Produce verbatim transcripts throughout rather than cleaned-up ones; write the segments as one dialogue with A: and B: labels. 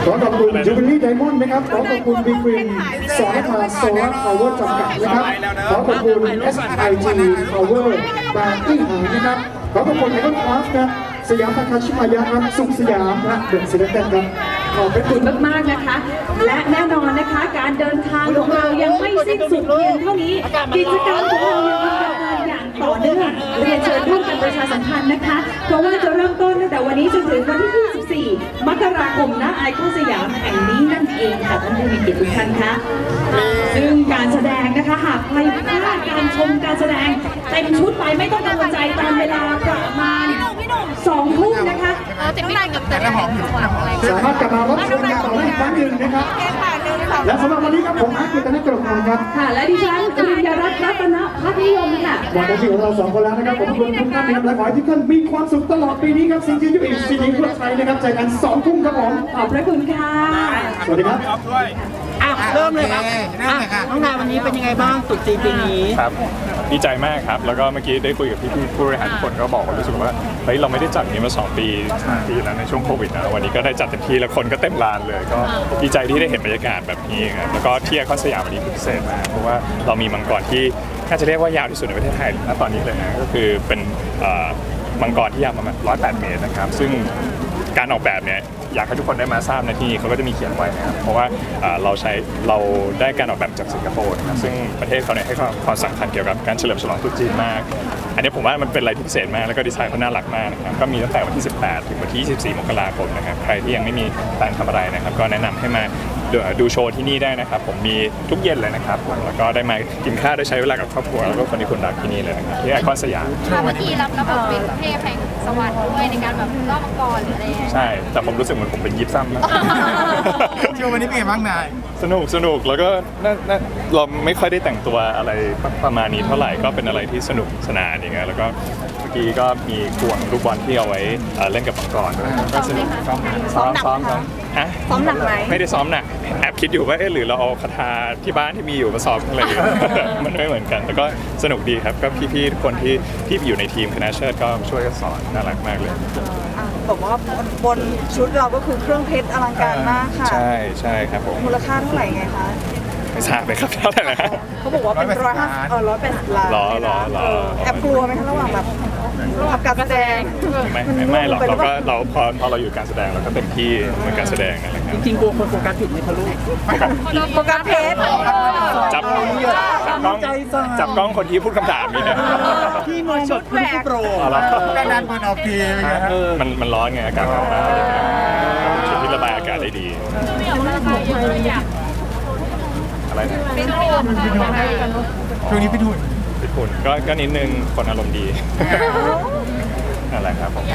A: ขอขอบคุณจูบิลี่ไดมอนด์นะครับขอขอบคุณบีกรีนสอนทาโซลาร์พาวเวอร์จำกัดนะครับขอขอบคุณ เอส ไอ จี Power บางที่หางนะครับขอขอบคุณไอคอนคราฟครับสยามทาคาชิมายะครับสุขสยามและเดอะซิลเตนครับ
B: ขอบพระคุณมากๆนะคะ และแน่นอนนะคะการเดินทางของเรายังไม่สิ้นสุดเพียงเท่านี้กิจกรรมของเรายังดำเนินอย่างต่อเนื่องเรียนเชิญร่วมกันประชาสัมพันธ์นะคะเพราะว่าจะเริ่มต้นตั้งแต่วันนี้จนถึงวันที่ยี่สิบสี่มกราคมณไอคอนสยามแห่งนี้นั่นเองค่ะท่านผู้มีเกียรติทุกท่านคะซึ่งการแสดงนะคะหากใครพลาดการชมการแสดงเต็มชุดไปไม่ต้องกังวลใจตามเวลาประมาณสองทุ่มนะคะ
C: เต็มที่กับแต่ละหอมอยู่
A: สามารถกลับมารับชมกันต่อได้อีกครั้งหนึ่งนะครับและสำหรับวันนี้ครับผมอาร์ตกิตติกรพันธ์ครับ
B: ค่ะและดิฉันปริญญารัตน์รัตนพัฒนิยมค่ะ
A: หมดหน้าที่ของเราสองคนแล้วนะครับผมขอบคุณทุกท่านนะครับและขอให้ทุกท่านมีความสุขตลอดปีนี้ครับซิงเกิลยูอีกซีดีทั่วไทยนะครับเจอกันสองทุ่มครับผม
B: ขอบพระคุณค่ะ
A: สวัสดีครับ
D: อ่ะเริ่มเลยครับน้องนายวันนี้เป็นยังไงบ้างตรุษจีนปีนี้
E: ครับดีใจมากครับแล้วก็เมื่อกี้ได้คุยกับพี่ๆผู้บริหารทุกคนก็บอกว่ารู้สึกว่าเฮ้ยเราไม่ได้จัดนี้มาสองปีสามปีแล้วในช่วงโควิดนะวันนี้ก็ได้จัดเต็มที่แล้วคนก็เต็มลานเลยก็ดีใจที่ได้เห็นบรรยากาศแบบนี้ครับแล้วก็ที่ไอคอนสยามวันนี้พิเศษมากเพราะว่าเรามีมังกรที่น่าจะเรียกว่ายาวที่สุดในประเทศไทยณตอนนี้เลยนะก็คือเป็นมังกรที่ยาวประมาณหนึ่งร้อยแปดเมตรนะครับซึ่งการออกแบบเนี่ยอยากให้ทุกคนได้มาทราบในที่นี้เขาก็จะมีเขียนไว้นะครับเพราะว่าเราใช้เราได้การออกแบบจากสิงคโปร์นะครับซึ่งประเทศเขาเนี่ยให้ความสำคัญเกี่ยวกับการเฉลิมฉลองตรุษจีนมากอันนี้ผมว่ามันเป็นอะไรที่พิเศษมากแล้วก็ดีไซน์เขาน่ารักมากนะครับก็มีตั้งแต่วันที่สิบแปดถึงวันที่ยี่สิบสี่มกราคมนะครับใครที่ยังไม่มีแผนทำอะไรนะครับก็แนะนำให้มาดูโชว์ที่นี่ได้นะครับผมมีทุกเย็นเลยนะครับแล้วก็ได้มากินข้าวได้ใช้เวลากับครอบครัวแล้วก็คนที่คุณรักที่นี่เลยนะครับที่ไอคอนสยาม
C: เมื่อกี้รับระบบเป็นเทพแห่งสวรรค์ด้วยในการแบบรอบมังกรหรืออะไร
E: ใช่แต่ผมรู้สึกเหมือนผมเป็นยิปซัมมาก
D: โชว์วันนี้เป็นไงบ้างนาย
E: สนุกสนุกแล้วก็เราไม่ค่อยได้แต่งตัวอะไรประมาณนี้เท่าไหร่ก็เป็นอะไรที่สนุกสนานอย่างเงี้ยแล้วก็เมื่อกี้ก็มีข่วงลูกบอลที่เอาไว้เล่นกับมังกรด้วยก็สนุกซ้อมซ้อมซ้อมฮะ
C: ซ้อมหนักไหม
E: ไม่ได้ซ้อมหนักแอบคิดอยู่ว่าเอ๊ะหรือเราเอาคาถาที่บ้านที่มีอยู่มาซ้อมอะไรมันไม่เหมือนกันแต่ก็สนุกดีครับก็พี่ๆทุกคนที่ที่อยู่ในทีมคณะเชิดก็ช่วยกันสอนน่ารักมากเลย
F: บอกว่าบนชุดเราก็คือเครื่องเพชรอลังการมากค่ะ
E: ใช่ใช่ครับผม
F: มูลค่าเท่าไหร่ไงคะ
E: ไม่ทราบเลยครับเท่าไหร่นะ
F: เขาบอกว่าเป็นร้อยห้าเออร้อยแปดสิบล้าน
E: หรอหรอหรอ
F: แอบกลัวไหมคะระหว่างแบบทำการแสดง
E: ไม่ไม่ไม่หรอกเราก็เราพอพอเราอยู่การแสดงเราก็เต็มที่เหมือนการแสดงอะไรครับ
D: จริงๆกลัวคนโฟกัสผิดไหมคะลูก
F: โฟกัสเพชร
E: จับจับกล้องจับกล้องคนที่พูดคำถามนี่นะ
D: ที่มองแบบคุณผู้โปร
E: ด้านด้านบนออกทีมันมันร้อนไงอากาศร้อนมากชุดที่ระบายอากาศได้ดีอะไรนะ
D: ช่วงนี้พี่ทุน
E: พี่ทุนก็ก็นิดนึงคนอารมณ์ดีอะไรครับผม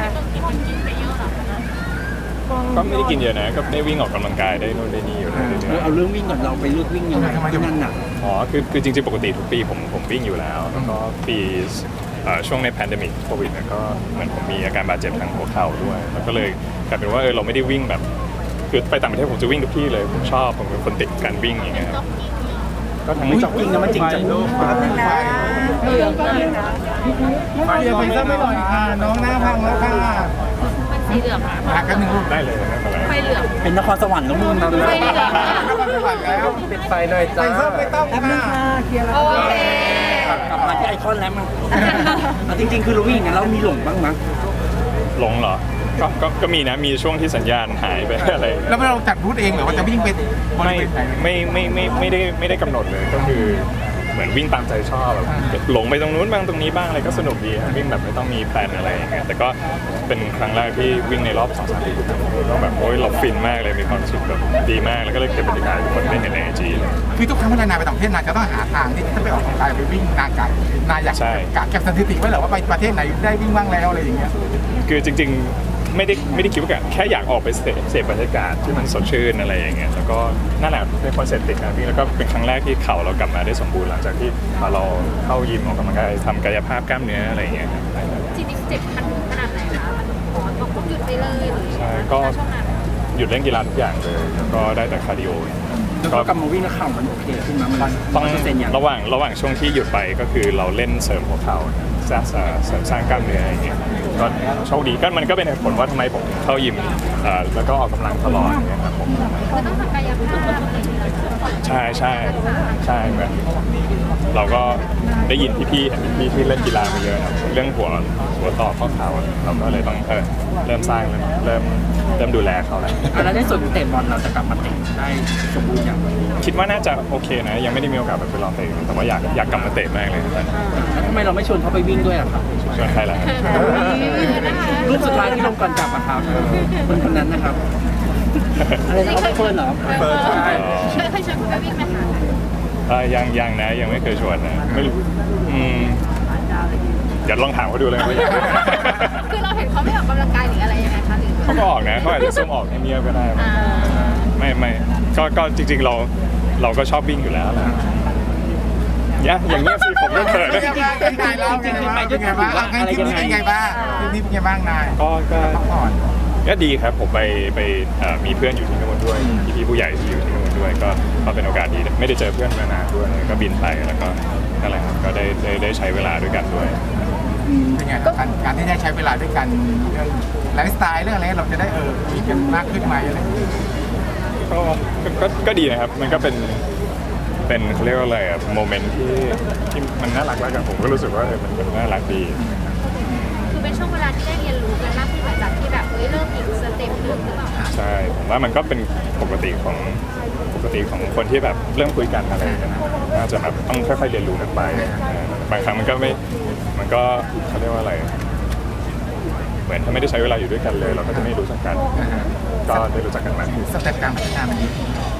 E: ก็ไม่ได้กินเยอะนะก็ได้วิ่งออกกำลังกายได้นู่นได้นี่อยู่
D: เอาเรื่องวิ่งก่อนเราไปเลือกวิ่งยังไงที่นั่นหนัก
E: อ๋อคือคือจริงๆปกติทุกปีผมผมวิ่งอยู่แล้วแล้วก็ปีช่วงในแพนเดมิกโควิดก็เหมือนผมมีอาการบาดเจ็บทางหัวเข่าด้วยแล้วก็เลยกลายเป็นว่าเออเราไม่ได้วิ่งแบบคือไปต่างประเทศผมจะวิ่งทุกที่เลยผมชอบผมเป็นคนติดการวิ่งอย่างเงี้ย
D: ก็ทั้งไม่จ็อกกิ้งนะมันจริงจังลูก
F: เรื่องก็เลยนะ
D: เดี๋ยวไปซักไม่หน่อยค่ะน้องหน้าพังแล้วค่ะ
C: สีเหลืองค่ะ
E: พักกันหนึ่งได้เลย
C: ไฟเหลือง
D: เป็นนครสวรรค์แล้วมึง
C: ไฟเหลือง
D: นครสวรรค์แล้วปิดไฟหน่อยจ้าไม่ต้องค่ะ
F: เคลียร์แล้ว
C: โอเค
D: กลับมาที่ไอคอนแล้วมั้งจริงๆคือเราวิ่งอย่างนั้นเรามีหลงบ้างมั้ง
E: หลงเหรอก็ก็ก็มีนะมีช่วงที่สัญญาณหายไปอะไร
D: แล้วเราจัดรูทเองหรือว่าจะวิ่งไป
E: ไม่ไม่ไม่ไม่ไม่ได้ไม่ได้กำหนดเลยก็คือเหมือนวิ่งตามใจชอบแบบหลงไปตรงนู้นบ้างตรงนี้บ้างอะไรก็สนุกดีวิ่งแบบไม่ต้องมีแพลนอะไรอย่างเงี้ยแต่ก็เป็นครั้งแรกที่วิ่งในรอบสองสามปีก็แบบโอ้ยเราฟินมากเลยมีความรู้สึกแบบดีมากแล้วก็เลยเก็บบรรยากาศทุกคนได้เห็นในไอจีเลย
D: คือทุกครั้งเวลานายไปต่างประเทศนายจะต้องหาทางที่จะไปออกกำลังกายไปวิ่งนานไกลนายอยากกะเก็บสถิติไว้เหรอว่าไปประเทศไหนได้วิ่งบ้างแล้วอะไรอย่างเงี้ย
E: คือจริงๆไม่ได้ไม่ได้คิดว่าแค่อยากออกไปเสพบรรยากาศที่มันสดชื่นอะไรอย่างเงี้ยแล้วก็นั่นแหละเป็นคอนเซ็ปต์ติดการวิ่งแล้วก็เป็นครั้งแรกที่เข่าเรากลับมาได้สมบูรณ์หลังจากที่เราเข้ายิมออกกำลังกายทำกายภาพกล้ามเนื้ออะไรอย่างเงี้ย
C: จริงๆเจ็บมันขนาดไหนคะมันต้องหยุดไปเลยหรือ
E: ใช่ก็หยุดเล่นกีฬาทุกอย่างเลยแล้วก็ได้แต่คาร์ดิโอ
D: ก็กลับมาวิ่งแล้วเข่ามันโอเคขึ้นมามัน
E: ต้องระหว่างระหว่างช่วงที่หยุดไปก็คือเราเล่นเสริมหัวเข่าสร้างเสริมสร้างกล้ามเนื้ออย่างเงี้ยก็โชคดีก็มันก็เป็นเหตุผลว่าทำไมผมเข้ายิมแล้วก็ออกกำลังตลอดนะครับ
C: คือต้องทำกายภาพอะไรอย่างเงี้ย
E: ใช่ใช่ใช่เหมือนเราก็ได้ยินพี่ๆเห็นพี่ๆที่เล่นกีฬามาเยอะครับเรื่องหัวหัวต่อข้อเข่าเราก็เลยต้องเออเริ่มสร้างเริ่มเริ่มดูแลเขาแล้ว
G: แล้วในส่วนของเตะบอลเราจะกลับมาเตะได้สมบูรณ์อย่างไร
E: คิดว่าน่าจะโอเคนะยังไม่ได้มีโอกาสไปลองเตะแต่ว่าอยากอยากกลับมาเตะมากเลยครับ
G: แล้วทำไมเราไม่ชวนเขาไปวิ่งด้วยอะครับ
E: ชวนใครล่ะ
G: รูปสุดท้ายที่ลงก่อนกลับอะครับคนคนนั้นนะครับอะไรนะเขาไปเฟิร์นเหรอ
D: เปิดใช่
C: เคยเคยชวนคุณไปวิ่งไหมคะ
E: เอ่อยังยังนะยังไม่เคยชวนนะไม่รู้อืมเดี๋ยวลองถามเขาดูเลยว่าอยากไหม
C: คือเราเห็นเขาไม่ออกกำลังกายหรืออะไรยังไงคะหรือ
E: เขาก็ออกนะเขาอาจจะซุ่มออกเงียบๆก็ได้
C: อ่า
E: ไม่ไม่ก็ก็จริงๆเราเราก็ชอบวิ่งอยู่แล้วแหละเนี่ยอย่างเงี้ยสิผมไม่เขิน
D: เป็นไงบ้างเป็นไงบ้างเป็นไงบ้างเป็นไงบ้างอ่ะงั้นทริปนี้เป็นไงบ้างทริปนี้เป็นไงบ้างนาย
E: ก็ก็
D: พักผ่อน
E: ก็ดีครับผมไปไปเอ่อมีเพื่อนอยู่ที่นู่นด้วยพี่ๆผู้ใหญ่ที่อยู่ที่นู่นด้วยก็ก็เป็นโอกาสดีไม่ได้เจอเพื่อนมานานด้วยก็บินไปแล้วก็นั่นแหละครับก็ได้ได้ได้ใช้เวลาด้วยกันด้วย
D: เป็นไงการการที่ได้ใช้เวลาด้วยกันเรื่องไลฟ์สไตล์เรื่องอะไรเราจะได้เออคุยกันมากขึ้นไหมอะไรอย่างเงี้ย
E: ก็ก็ก็ก็ดีนะครับ มันก็เป็น เป็นเขาเรียกว่าอะไรอะโมเมนต์ที่ที่มันน่ารักแล้วกันผมก็รู้สึกว่าเออมันมันน่ารักดี
C: คือเป็นช่วงเวลาที่ได้เรียนรู้กันมากขึ้นหลังจากที่แบบเฮ้ยเริ่มอีกสเต็ปหนึ่งหรือเปล่า
E: ใช่ผมว่ามันก็เป็นปกติของปกติของคนที่แบบเริ่มคุยกันอะไรกันนะน่าจะแบบต้องค่อยๆเรียนรู้กันไปเออบางครั้งมันก็ไม่ มันก็เขาเรียกว่าอะไร เหมือนถ้าไม่ได้ใช้เวลาอยู่ด้วยกันเลย เราก็จะไม่รู้จักกัน ก็ได้รู้จักกันมากขึ้น
D: สเต็ปการพัฒนามันดี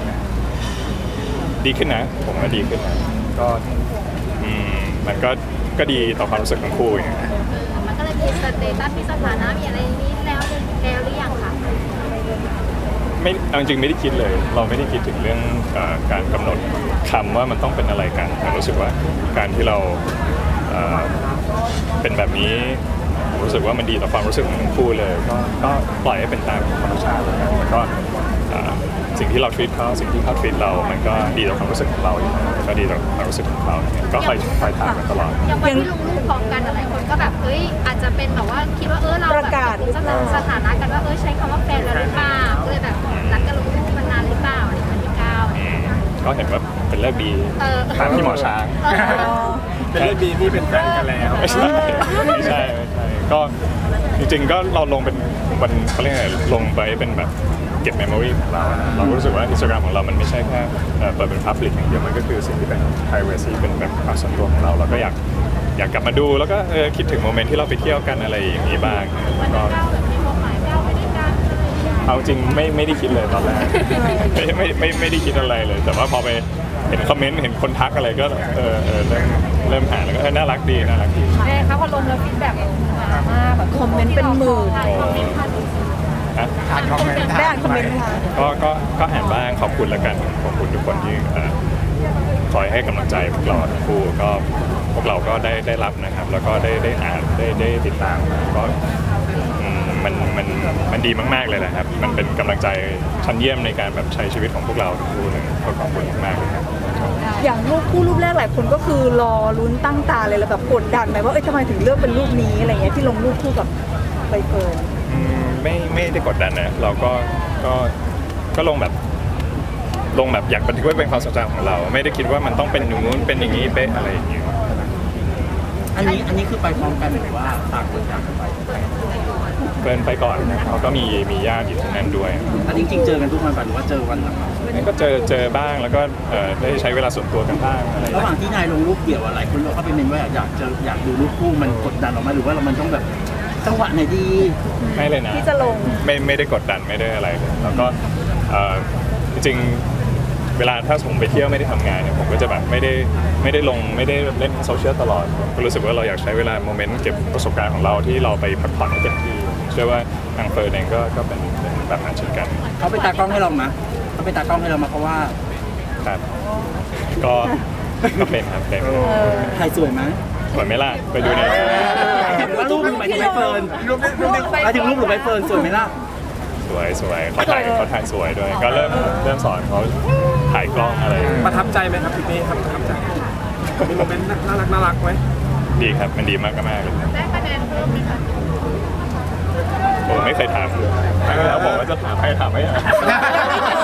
E: ดีขึ้นนะ ผมว่าดีขึ้นนะก็อืมมันก็ก็ดีต่อความรู้สึกของคู่อย่างเงี้ย
C: มันก็เลยมีสเตตัสมีสถานะมีอะไรนี้แล้วแล้วหรือยังคะ
E: ไม่เอาจริงๆไม่ได้คิดเลย เราไม่ได้คิดถึงเรื่องเอ่อการกำหนดคำว่ามันต้องเป็นอะไรกันแต่รู้สึกว่าการที่เราเอ่อเป็นแบบนี้ผมรู้สึกว่ามันดีต่อความรู้สึกของทั้งคู่เลยก็ก็ปล่อยให้เป็นตามธรรมชาติแล้วกันแล้วก็เอ่อสิ่งที่เรา treat เขาสิ่งที่เขา treat เรา มันก็ดีต่อความรู้สึกของเราอยู่แล้วแล้วก็ดีต่อความรู้สึกของเขาเนี่ยก็คอยคอยถามกันตลอด
C: อย่างวันที่ลงรูปพร้อมกันหลายคนก็แบบเฮ้ยอาจจะเป็นแบบว่าคิดว่าเออเรา
F: ประกาศ
C: สถาสถานะกันว่าเออใช้คำว่าแฟนแล้วหรือเปล่าก็เลยแบบรักกันลงรูปมานานหรือเปล่าอะไรอย่างเงี้ยที่เก้า
E: อืมก็เห็นว่าเป็นเลิกดี
C: เออ
E: ตามที่หมอช้าง
G: เป็นเรื่องดีที่เป็นแฟนกันแล้ว
E: ไม่ใช่ไม่ใช่ไม่ใช่ก็จริงๆก็เราลงเป็นวันเขาเรียกอะไรลงไปเป็นแบบเก็บเมมโมรีของเรานะเราก็รู้สึกว่า Instagram ของเรามันไม่ใช่แค่เอ่อเปิดเป็น Public อย่างเดียวมันก็คือสิ่งที่เป็น privacy เป็นแบบความส่วนตัวของเราเราก็อยากอยากกลับมาดูแล้วก็เออคิดถึงโมเมนต์ที่เราไปเที่ยวกันอะไรอย่างนี้บ้างก็
C: เก้าแบบมีความหมายเก้าไม่ได้การ
E: เอาจริงไม่ไม่ได้คิดเลยตอนแรก ไม่ไม่ไม่ไม่ได้คิดอะไรเลย แต่ว่าพอไปเห็นคอมเมนต์เห็นคนทักอะไรก็เออเออเริ่มเริ่มหาแล้วก็เออน่ารักดีน่ารักดี
C: แม่คะพอลงแล้วฟีดแบ็กมากแบบ
F: คอมเมนต์เป็นหมื่น
C: คอมเมนต์พัน
E: ฮะ
D: อ่านคอมเมนต์
F: ได้อ่านคอมเมนต์ไหมคะ
E: ก็ก็ก็อ่านบ้างขอบคุณแล้วกันขอบคุณทุกคนที่เอ่อคอยให้กำลังใจพวกเราทั้งคู่ก็พวกเราก็ได้ได้รับนะครับ แล้วก็ได้ได้อ่านได้ได้ติดตามก็อืมมันมันมันดีมากๆเลยนะครับ มันเป็นกำลังใจชั้นเยี่ยมในการแบบใช้ชีวิตของพวกเราทั้งคู่เลยก็ขอบคุณมากๆเลยครับ
F: อย่างรูปคู่รูปแรกหลายคนก็คือรอลุ้นตั้งตาเลยแล้วแบบกดดันไหมว่าเอ้ยทำไมถึงเลือกเป็นรูปนี้อะไรเงี้ยที่ลงรูปคู่กับใบเฟิร์น
E: อืมไม่ไม่ได้กดดันนะเราก็ก็ก็ลงแบบลงแบบอยากบันทึกไว้เป็นความทรงจำของเรา ไม่ได้คิดว่ามันต้องเป็นอย่างนู้นเป็นอย่างนี้เป๊ะอะไรอย่างเงี้ย
G: อันนี้อันนี้คือไปพร้อมกันหรือว่าต่างคนต่างกันไป
E: เกินไปก่อนนะเขาก็มีมีญาติอยู่ที่นั่นด้วย
G: อันนี้จริงๆเจอกันทุกวันป่ะหรือว่าเจอวันหลัง
E: นั่นก็เจอเจอบ้างแล้วก็เอ่อได้ใช้เวลาส่วนตัวกันบ้างอะไรอย่าง
G: ระห
E: เงี้ย
G: ว่างที่นายลงรูปเดี่ยวอะหลายคนเราก็ไปเมนว่าอยากเจออยากดูรูปคู่มันกดดันออกมาหรือว่าเรามันต้องแบบจังหวะไหนดี
E: ไม่เลยนะ
F: ที่จะลง
E: ไม่ไม่ได้กดดันไม่ได้อะไรเลยแล้วก็เอ่อจริงๆเวลาถ้าผมไปเที่ยวไม่ได้ทำงานเนี่ยผมก็จะแบบไม่ได้ไม่ได้ลงไม่ได้เล่นโซเชียลตลอดก็รู้สึกว่าเราอยากใช้เวลาโมเมนต์เก็บประสบการณ์ของเราที่เราไปพักผ่อนให้เต็มที่เชื่อว่าทางเฟิร์นเองก็ก็เป็นเป็นแบบนั้นเช่นกัน
G: เขาเป็นตากล้องให้เรามะเขาเป็นตากล้องให้เรามาเพราะว่า
E: ครับก็ก็เป็นครับเป็น
G: ถ่ายสวยไหม
E: สวยไหมล่ะไปดูใน
G: หรือว่ารูปหมายถึงใบเฟิร์น
D: รูปนี้รูปนี้
G: หมายถึงรูปหรือใบเฟิร์นสวยไหมล่ะ
E: สวยสวยเขาถ่ายเขาถ่ายสวยด้วย ก็เริ่มเริ่มสอนเขาถ่ายกล้องอะไร
G: ประทับใจไหมครับพี่เป้ครับประทับใจมีโมเมนต์น่ารักน่ารักไหม
E: ดีครับมันดีมากมากๆเลย
C: ได้คะแนนเพิ่มไหมคะ
E: ผมไม่เคยถามเลยแล้วบอกว่าจะถามให้ถามไม่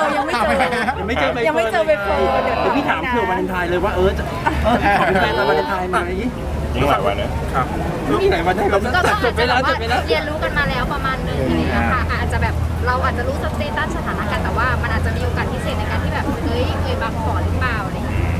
G: ยังไม่เจอใบ
F: ยังไม่เจอใบเฟิร์นเดี๋ยว
G: เดี๋ยวพี่ถามเผื่อวาเลนไทน์เลยว่าเออจะเออขอเป็นแฟนตอนวาเลนไทน์ไหม
E: ยิ่งหลายวันนะ
G: ไม่มีไหนวันได้เรา
C: ก็
G: ตัดจ
C: อา
G: บ
C: จ
G: ไป
C: จะแบ
G: แล้ว
C: บ
G: จ
C: ว่า
G: บไปแล้ว
C: เรียนรู้กันมาแล้วประมาณนึงอะไรอย่างเงี้ยค่ะอาจจะแบบเราอาจจะรู้สเตตัสสถานะกันแต่ว่ามันอาจจะมีโอกาสพิเศษในการที่แบบเฮ้ยเคยมาขอหรือเปล่าอะไรอย่างเงี้ย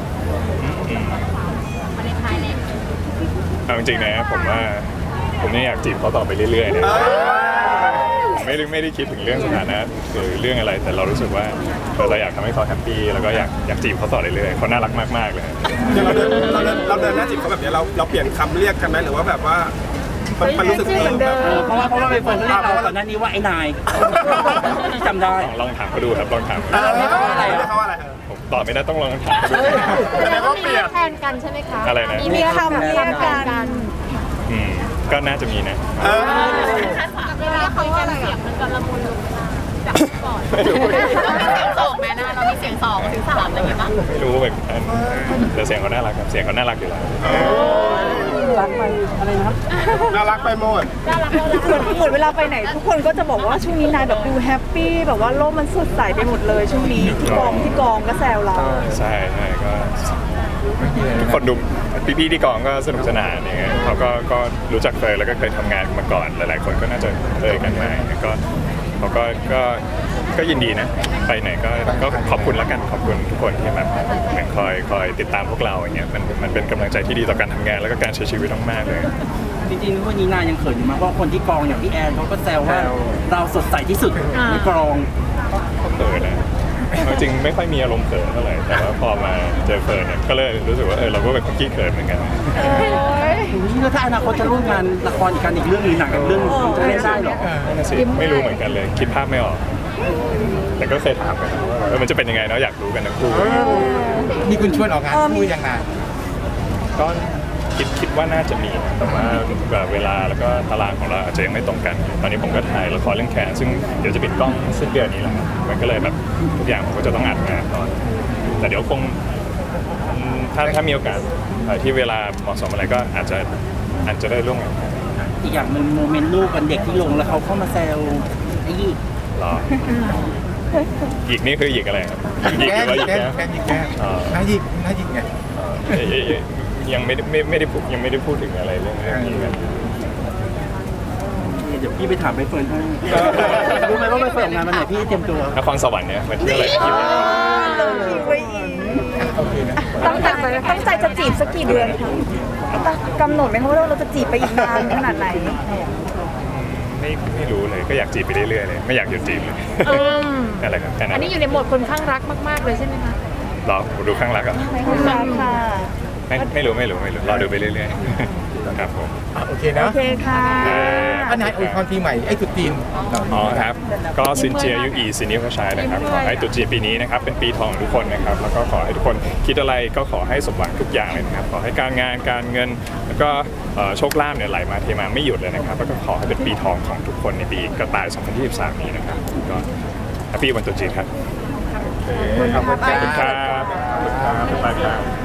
C: มาในไทยเนี่ย
E: เอาจริงๆนะผมว่าผมเนี่ยอยากจีบเขาต่อไปเรื่อยๆนะผมไม่ได้ไม่ได้คิดถึงเรื่องสถานะหรือเรื่องอะไรแต่เรารู้สึกว่าเราอยากทำให้เขาแฮปปี้แล้วก็อยากอยากจีบเขาต่อเรื่อยๆเขาน่ารักมากๆเลย
H: เราเดินเราเดินเราเดินหน้าจีบเขาแบบนี้เราเราเปลี่ยนคำเรียกกันไหมหรือว่าแบบว่ามันมันรู้สึกเออแบบ
G: เออเพราะว่าเพราะว่าใบเฟิร์นเขาเรียกเราก่อนหน้านี้ว่าไอ้นายจำได้
E: ลองลองถามเขาดูครับลองถาม
H: เออเรียกเขาว่าอะไรเรียกเขาว่าอะไร
E: ผมตอบไม่ได้ต้องลองถามเขาดู
H: แสดงว่าเปลี่ยน
C: แทนกันใช่ไหมคะ
E: อะไรนะ
F: มีคำเรียกกัน
E: อืมก็น่าจะมีนะ
H: เออ
C: เวลาคุยกันเสียงมันก็ละมุนลงจากก่อน
E: ไม่รู้
C: เสียงสองแม่นะเรามีเสียงสองถึงสามอะไรอย่างเงี้ยป่ะ
E: ไม่รู้เหมือนกันแต่เสียงเขาน่ารักครับเสียงเขาน่ารักอยู่แล้ว
G: รักไปอะไรนะครับ
H: น่ารักไปหมด
F: เหมือนเหมือนเวลาไปไหน ทุกคนก็จะบอกว่าช่วงนี้นายแบบดูแฮปปี้แบบว่าโลกมันสดใสไปหมดเลยช่วงนี้ที่กองที่กองก็แซวเรา
E: ใช่ใช่ก็ทุกคนดูพี่ๆที่กองก็สนุกสนานอย่างเงี้ยเขาก็ก็รู้จักเคยแล้วก็เคยทำงานมาก่อนหลายๆคนก็น่าจะเคยกันมาก็เขาก็ก็ก็ยินดีนะไปไหนก็ก็ขอบคุณแล้วกันขอบคุณทุกคนที่แบบเหมือนคอยคอยติดตามพวกเราอย่างเงี้ยมันมันเป็นกำลังใจที่ดีต่อการทำงานแล้วก็การใช้ชีวิตมากๆเลย
G: จริงๆวันนี้นายยังเขินอยู่มากเพราะคนที่กองอย่างพี่แอนเขาก็แซวว่าเราสดใสที่สุดในกอง
E: เขินนะเอาจริงไม่ค่อยมีอารมณ์เขินเท่าไหร่แต่ว่าพอมาเจอเฟิร์นเนี่ยก็เลยรู้สึกว่าเออเราก็เป็นคนขี้เขินเหมือนกัน
G: แล้วถ้าอนาคตจะร่วมงานละครกันอีกเรื่องหรือหนังอีกเรื่องหนึงมันจะเล่นได้เหรอ
E: นั่นน่ะสิไม่รู้เหมือนกันเลยคิดภาพไม่ออก แต่ก็เคยถามกันว่าเออมันจะเป็นยังไงเนาะอยากรู้กันทั้งคู่
D: นี่คุณชวนออกงานคู่ยังไง
E: ก็คิดคิดว่าน่าจะมีนะแต่ว่าแบบเวลาแล้วก็ตารางของเราอาจจะยังไม่ตรงกัน ตอนนี้ผมก็ถ่ายละครเรื่องแขนซึ่งเดี๋ยวจะปิดกล้องสิ้นเดือนนี้แหละครับมันก็เลยแบบทุกอย่างผมก็จะต้องอัดงานก่อนแต่เดี๋ยวคงอืมถ้าถ้ามีโอกาสเอ่อที่เวลาเหมาะสมอะไรก็อาจจะอาจจะได้ร่วมงานกัน
G: อีกอย่างหนึ่งโมเมนต์ลูกกันเด็กที่ลงแล้วเขาเข้ามาแซวไอ้ยี่
E: รอหยิกนี่คือหยิกอะไรครับหยิกห
D: แก้
E: รือว่าหยิก
D: แก้
E: แก้ม
D: แก้ยิงแก้
E: อ๋อ
D: น่ายิงน่ายิงไง
E: เอ่อเอ่ยเอ่ยยังไม่ได้ไม่ไม่ได้พูดยังไม่ได้พูดถึงอะไรเรื่องเรื่องนี้กัน
G: เดี๋ยวพี่ไปถามใบเฟิร์นให้รู้ไหมว่าใบเฟิร์นออกงานวันไหนพี่เตรียมตัวน
E: ครสวรรค์เนี่ยมาเที่ยวอะไรที่ไหน
F: ลงคิวไว้อีก
D: โอเคนะ
F: ตั้งใจตั้งใจจะจีบสักกี่เดือนคะตั้งกำหนดไหมคะว่าเราจะจีบไปอีกนานขนาดไหน
E: ไม่ไม่รู้เลยก็อยากจีบไปเรื่อยๆเลยไม่อยากหยุดจีบเลยอะไรครับแค่นั้น
C: อันนี้อยู่ในโหมดคนข้างรักมากๆเลยใช่ไหมคะ
E: รอดูข้างหลังอ่ะ
F: ขอบคุณค่ะ
E: ไม่ไม่รู้ไม่รู้ไม่รู้รอดูไปเรื่อยๆครับผม
D: อ่ะโอเคนะ
F: โอเคค่ะ
D: อันไหนอวยพรปีใหม่ไอ้จุดจีนเหล่า
E: อ๋
D: นี้
E: อครับก็ซินเจียยุอีซินิวชายนะครับขอให้ตรุษจีนปีนี้นะครับเป็นปีทองของทุกคนนะครับแล้วก็ขอให้ทุกคนคิดอะไรก็ขอให้สมหวังทุกอย่างเลยนะครับขอให้การงานการเงินแล้วก็เอ่อโชคลาภเนี่ยไหลมาเทมาไม่หยุดเลยนะครับแล้วก็ขอให้เป็นปีทองของทุกคนในปีกระต่ายสองพันยี่สิบสามนี้นะครับก็แฮปปี้วันตรุษจีนครับ
D: ขอบคุณ
E: ขอบคุณครับขอบคุณครับบ๊ายบายครับ